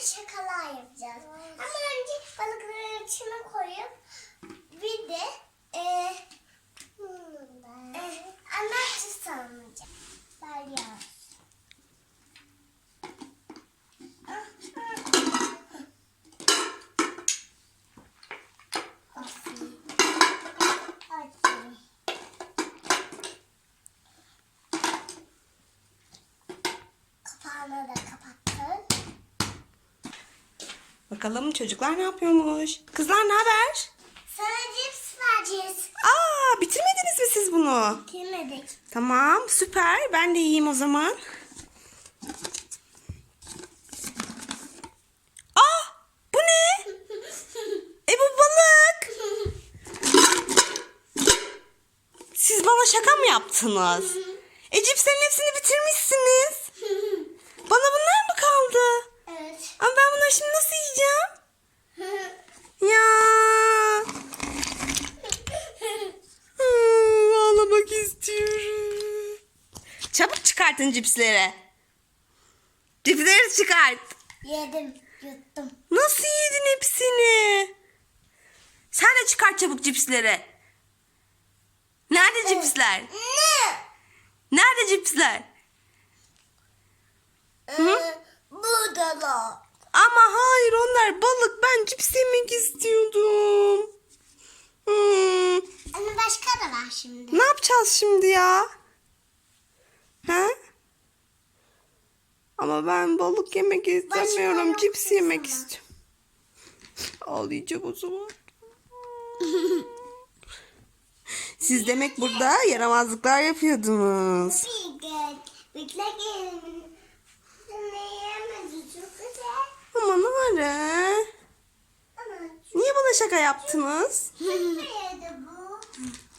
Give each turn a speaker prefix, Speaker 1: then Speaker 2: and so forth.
Speaker 1: şakalar yapacağız. Ama önce balıkları içine koyup bir de anahtar salınacak. Balyoz. Kapağını da kapattım.
Speaker 2: Bakalım çocuklar ne yapıyormuş? Kızlar ne haber?
Speaker 1: Sana cips vereceğiz.
Speaker 2: Aa, bitirmediniz mi siz bunu?
Speaker 1: Bitirmedik.
Speaker 2: Tamam, süper. Ben de yiyeyim o zaman. Ah, bu ne? Bu balık. Siz bana şaka mı yaptınız? Cipslerin hepsini bitirmişsiniz. Bana bunlar mı kaldı?
Speaker 1: Evet.
Speaker 2: Ama ben bunları şimdi nasıl yiyeceğim? Ya. Ağlamak istiyorum. Çabuk çıkartın cipsleri. Cipsleri çıkart.
Speaker 1: Yedim, yuttum.
Speaker 2: Nasıl yedin hepsini? Sen de çıkart çabuk cipsleri. Nerede cipsler?
Speaker 1: Ne?
Speaker 2: Nerede cipsler?
Speaker 1: Buradalar.
Speaker 2: Ama hayır, onlar balık. Ben cips yemek istiyordum.
Speaker 1: Ama başka da var şimdi.
Speaker 2: Ne yapacağız şimdi ya? Ha? Ama ben balık yemek istemiyorum.
Speaker 1: yok
Speaker 2: Cips yemek
Speaker 1: sana.
Speaker 2: istiyorum. Ağlayacağım o zaman. Siz demek burada yaramazlıklar yapıyordunuz.
Speaker 1: Bekle gelin. Ne yemedi çok güzel.
Speaker 2: Ama Nare,
Speaker 1: Ama
Speaker 2: niye bana şaka yaptınız?
Speaker 1: çok yedi bu.